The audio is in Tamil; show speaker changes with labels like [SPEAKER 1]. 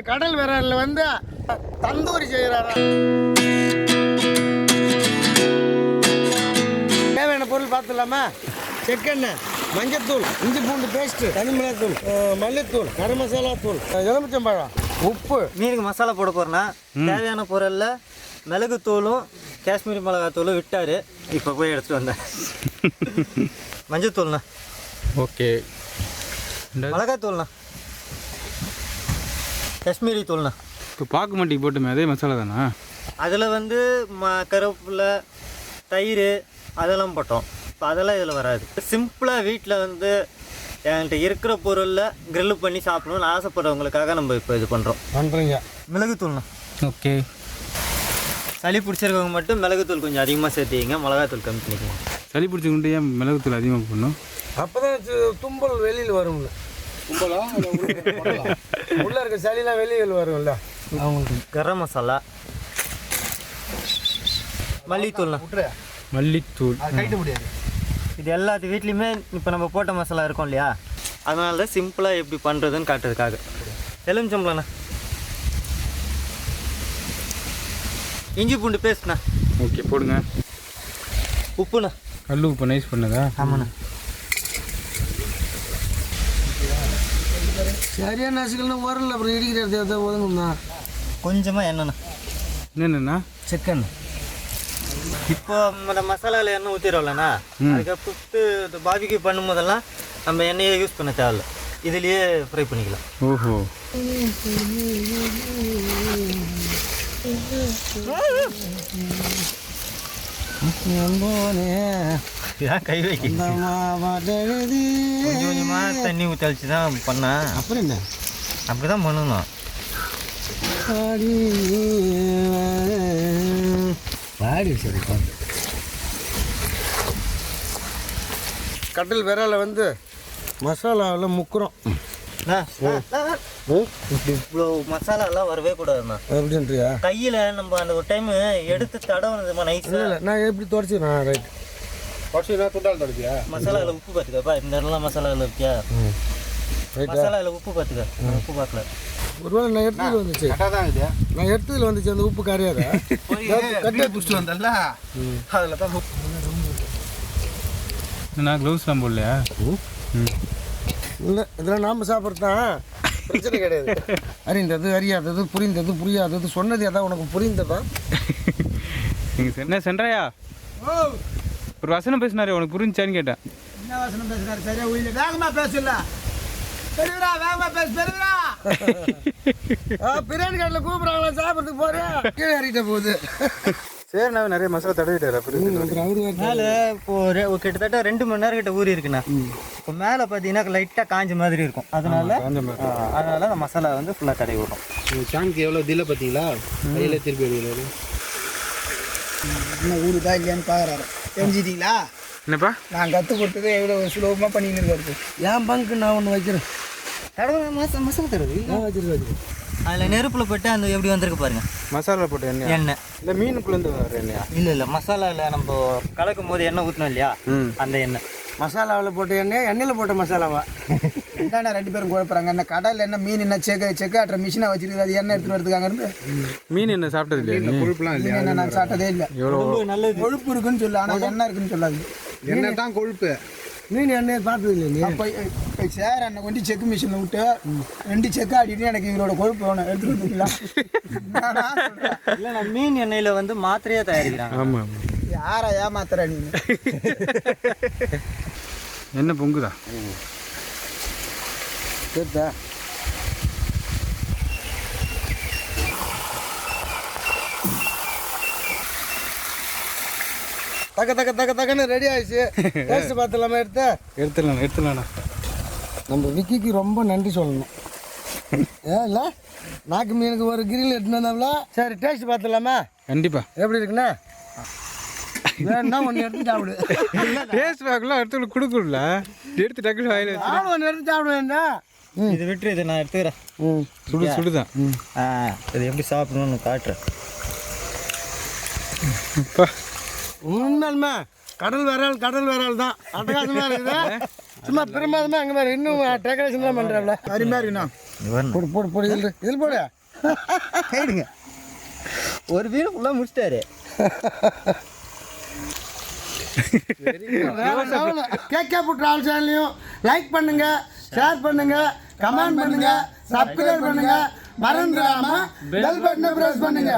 [SPEAKER 1] கடல் விரலில் வந்து தந்தூரி செய்கிறாரா. தேவையான பொருள் பார்த்துலாமா? செக்கெண்ணெய், மஞ்சத்தூள், இஞ்சி பூண்டு பேஸ்ட்டு, தனிமிளகாத்தூள், மல்லித்தூள், கரம் மசாலா தூள், எலுமிச்சம்பழம், உப்பு.
[SPEAKER 2] மீனுக்கு மசாலா போட போகிறேன்னா தேவையான பொருளில் மிளகுத்தூளும் காஷ்மீரி மிளகாத்தூளும் விட்டார். இப்போ போய் எடுத்துகிட்டு வந்தேன். மஞ்சத்தூள்ண்ணா,
[SPEAKER 3] ஓகே.
[SPEAKER 2] மிளகாத்தூள்ண்ணா, காஷ்மீரி தூள்ண்ணா.
[SPEAKER 3] இப்போ பாக்கு மட்டிக்கு போட்டுமே அதே மசாலா தானா? அதில்
[SPEAKER 2] வந்து கருவேப்பிலை, தயிர் அதெல்லாம் போட்டோம். இப்போ அதெல்லாம் இதில் வராது. சிம்பிளாக வீட்டில் வந்து என்கிட்ட இருக்கிற பொருளில் க்ரில்லு பண்ணி சாப்பிடணும்னு ஆசைப்படுறவங்களுக்காக நம்ம இப்போ இது பண்ணுறீங்க. மிளகுத்தூள்ண்ணா,
[SPEAKER 3] ஓகே.
[SPEAKER 2] சளி பிடிச்சிருக்கவங்க மட்டும் மிளகுத்தூள் கொஞ்சம் அதிகமாக சேர்த்திங்க, மிளகாத்தூள் கம்மி பண்ணிக்கோங்க.
[SPEAKER 3] சளி பிடிச்சிக்கிட்டு ஏன் மிளகுத்தூள் அதிகமாக போடணும்?
[SPEAKER 1] அப்போ தான் தும்பல் வெளியில் வரும்ல. தும்பலா உள்ளே இருக்க சளிலாம் வெளியில் வரும்ல.
[SPEAKER 2] அவங்களுக்கு கரம் மசாலா, மல்லித்தூள்ண்ணா,
[SPEAKER 3] மல்லித்தூள்
[SPEAKER 1] கைட்டு முடியாது.
[SPEAKER 2] இது எல்லாத்து வீட்லேயுமே இப்போ நம்ம போட்ட மசாலா இருக்கும் இல்லையா, அதனால தான் சிம்பிளாக எப்படி பண்ணுறதுன்னு காட்டுறதுக்காக. எலுமிச்சம்பழம்ண்ணா, இஞ்சி பூண்டு பேஸ்ட்ண்ணா,
[SPEAKER 3] ஓகே போடுங்க.
[SPEAKER 2] உப்புண்ணா,
[SPEAKER 3] கல் உப்பு நைஸ் பண்ணதா?
[SPEAKER 2] ஆமாண்ணா.
[SPEAKER 1] சரியான நசுக்கல்னா வரல, அப்புறம் இடிக்கிறது ஒதுங்கண்ணா.
[SPEAKER 2] கொஞ்சமாக எண்ணெய்ண்ணா,
[SPEAKER 3] என்னென்னா
[SPEAKER 2] செக்கெண்ணெய். இப்போ நம்ம மசாலாவில் எண்ணெய் ஊற்றிடும்லண்ணா, அதுக்கப்புறம் பாபிக்கு பண்ணும்போதெல்லாம் நம்ம எண்ணெயை யூஸ் பண்ண தேவையில்ல, இதுலேயே ஃப்ரை பண்ணிக்கலாம்.
[SPEAKER 3] ஓஹோ.
[SPEAKER 2] இதான் கை வைக்க கொஞ்சம் கொஞ்சமாக தண்ணி ஊற்றி அழிச்சு தான் பண்ணேன்.
[SPEAKER 1] அப்புறம் என்ன
[SPEAKER 2] அப்படி தான் பண்ணணும்.
[SPEAKER 1] பாடி சரி பார்த்து. கடல் விரலை வந்து மசாலாவில் முக்குறோம்.
[SPEAKER 2] இவ்வளோ மசாலாலாம் வரவே கூடாதுண்ணா.
[SPEAKER 1] எப்படின்றியா?
[SPEAKER 2] கையில் நம்ம அந்த ஒரு டைமு எடுத்து தடவுனதுமா நைஸாக.
[SPEAKER 1] இல்லை நான் எப்படி துடைச்சிக்கிறேன்? ரைட் துடைச்சினா துண்டால் துடைச்சியா?
[SPEAKER 2] மசாலாவில் உப்பு பார்த்துக்கப்பா, இந்த இடம்லாம் மசாலாவில் இருக்கியா? மசாலாவில் உப்பு பார்த்துக்க. உப்பு பார்க்கல.
[SPEAKER 1] ஒருவேளை நான் எடுத்ததில் வந்துச்சு. நான் எடுத்ததில் வந்துச்சு அந்த உப்பு கரையாத கட்டியாக பிடிச்சிட்டு வந்தல அதில் தான்.
[SPEAKER 3] நான் க்ளவுஸ்லாம் போடலையா?
[SPEAKER 1] இல்லை இதெல்லாம் நாம் சாப்பிட்றது தான், பிரச்சனை கிடையாது. அறிந்தது அறியாதது, புரிந்தது புரியாதது, சொன்னது எதாவது உனக்கு புரிந்ததா?
[SPEAKER 3] நீங்கள் என்ன சென்றாயா ஒரு வசனம் பேசினாரு, உனக்கு புரிஞ்சான்னு கேட்டேன்.
[SPEAKER 1] என்ன வசனம் பேசுகிறாரு? சரியா உயிர் வேகமாக பேசல. பெருவிரா வேகமாக பேச. பெருவிரா பிரியாணி கடையில் கூப்பிட்றாங்களா சாப்பிட்றதுக்கு போகிறேன். கீழே இறங்கிட்ட போகுது.
[SPEAKER 3] சரி, நான் நிறைய மசாலா தடவிட்டாரு.
[SPEAKER 2] மேலே இப்போ கிட்டத்தட்ட 2 மணி நேரம் கிட்ட ஊறி இருக்குண்ணா. இப்போ மேலே பார்த்தீங்கன்னா லைட்டாக காஞ்ச மாதிரி இருக்கும். அதனால அந்த மசாலா வந்து ஃபுல்லாக தடவி விடும்.
[SPEAKER 1] சாங்க்கு எவ்வளோ தில்லை பார்த்தீங்களா? கையில் திருப்பி எடுக்கிறாரு. இன்னும் ஊருதா இல்லையான்னு பார்க்குறாரு. தெரிஞ்சிட்டீங்களா?
[SPEAKER 3] என்னப்பா
[SPEAKER 1] நான் கற்றுக் கொடுத்தது எவ்வளோ சுலபமாக பண்ணின்னு இருக்காரு. என் பங்கு நான் ஒன்று வைக்கிறேன்.
[SPEAKER 2] தடவை மசாலா தடவை
[SPEAKER 1] வச்சிருக்காரு.
[SPEAKER 2] அதில் நெருப்பில் போட்டு அந்த எப்படி வந்திருக்கு பாருங்க.
[SPEAKER 3] மசாலா போட்டு எண்ணெய் இல்லை மீனுக்குள்ளேருந்து வர எண்ணெயா?
[SPEAKER 2] இல்லை மசாலாவில் நம்ம கலக்கும் போது எண்ணெய் ஊற்றணும் இல்லையா, அந்த எண்ணெய்.
[SPEAKER 1] மசாலாவில் போட்ட எண்ணெய், எண்ணெயில் போட்ட மசாலாவா? என்னண்ணா 2 பேரும் குழப்பறாங்க. என்ன கடலில் என்ன மீன் என்ன செக்காட்டுற மிஷினாக வச்சிருக்குது, அது எண்ணெய் எடுத்துகிட்டு வரதுக்காக இருந்து.
[SPEAKER 3] மீன் என்ன சாப்பிட்டது இல்லையா? கொழுப்புலாம் இல்லையா?
[SPEAKER 1] என்ன நான் சாப்பிட்டதே இல்லை.
[SPEAKER 3] எவ்வளோ
[SPEAKER 2] நல்லது
[SPEAKER 1] கொழுப்பு இருக்குன்னு சொல்லு, ஆனால் எண்ணெய் இருக்குன்னு சொல்லாது.
[SPEAKER 4] எண்ணெய் தான் கொழுப்பு.
[SPEAKER 1] மீன் எண்ணெய் பார்த்தது இல்லை நீ? அப்போ சார் என்னை கொண்டு செக்கு மிஷினில் விட்டு 2 செக்கு ஆடிட்டு எனக்கு இவரோட கொழுப்பு வேணும் எடுத்துகிட்டு வந்துக்கலாம்.
[SPEAKER 2] இல்லை நான் மீன் எண்ணெயில் வந்து மாத்திரையாக தயாரிக்கிறாங்க.
[SPEAKER 3] ஆமாம்.
[SPEAKER 1] யாரா ஏமாத்துற நீ?
[SPEAKER 3] என்ன பொங்குதா?
[SPEAKER 1] கேட்டா தக்க தக்க தக்க தக்கன்னு ரெடி ஆயிடுச்சு. டேஸ்ட் பார்த்துலாமா?
[SPEAKER 3] எடுத்துடலாண்ணா.
[SPEAKER 1] நம்ம விக்கிக்கு ரொம்ப நன்றி சொல்லணும். ஏன் இல்லை நாக்கு மீனுக்கு ஒரு கிரில் எடுத்துன்னு வந்தாங்களா? சரி டேஸ்ட் பார்த்துலாமா?
[SPEAKER 3] கண்டிப்பா.
[SPEAKER 1] எப்படி இருக்குண்ணா? வேணா ஒன்று எடுத்து சாப்பிடு.
[SPEAKER 3] டேஸ்ட் பார்க்கலாம், அடுத்து கொடுக்கல, எடுத்து டக்குனு வாயில
[SPEAKER 1] நானும் ஒன்று எடுத்து சாப்பிடுவேன்டா.
[SPEAKER 2] இது விட்டுரு, இதை நான் எடுத்துக்கிறேன்.
[SPEAKER 3] சுடுதான்.
[SPEAKER 2] இது எப்படி சாப்பிடணும்னு காட்டுறேன்.
[SPEAKER 1] உண்மையுமே கடல் விரால் தான் அட்டகாசமாக இருக்குது. சும்மா பிரமாதமாக அங்கே மாதிரி இன்னும் டெக்கரேஷன் தான் பண்ணுறாங்களே. அருமையாக இருக்குண்ணா. போடு போடு போடு இதில் போடு.
[SPEAKER 2] கைடுங்க. ஒரு வீடு ஃபுல்லாக முடிச்சிட்டாரு.
[SPEAKER 1] கேகே புட் ஆல் சேனலையும் லைக் பண்ணுங்க, ஷேர் பண்ணுங்க, கமெண்ட் பண்ணுங்க, சப்ஸ்கிரைப் பண்ணுங்க, மறந்துடாம பெல் பட்டனை பிரஸ் பண்ணுங்க.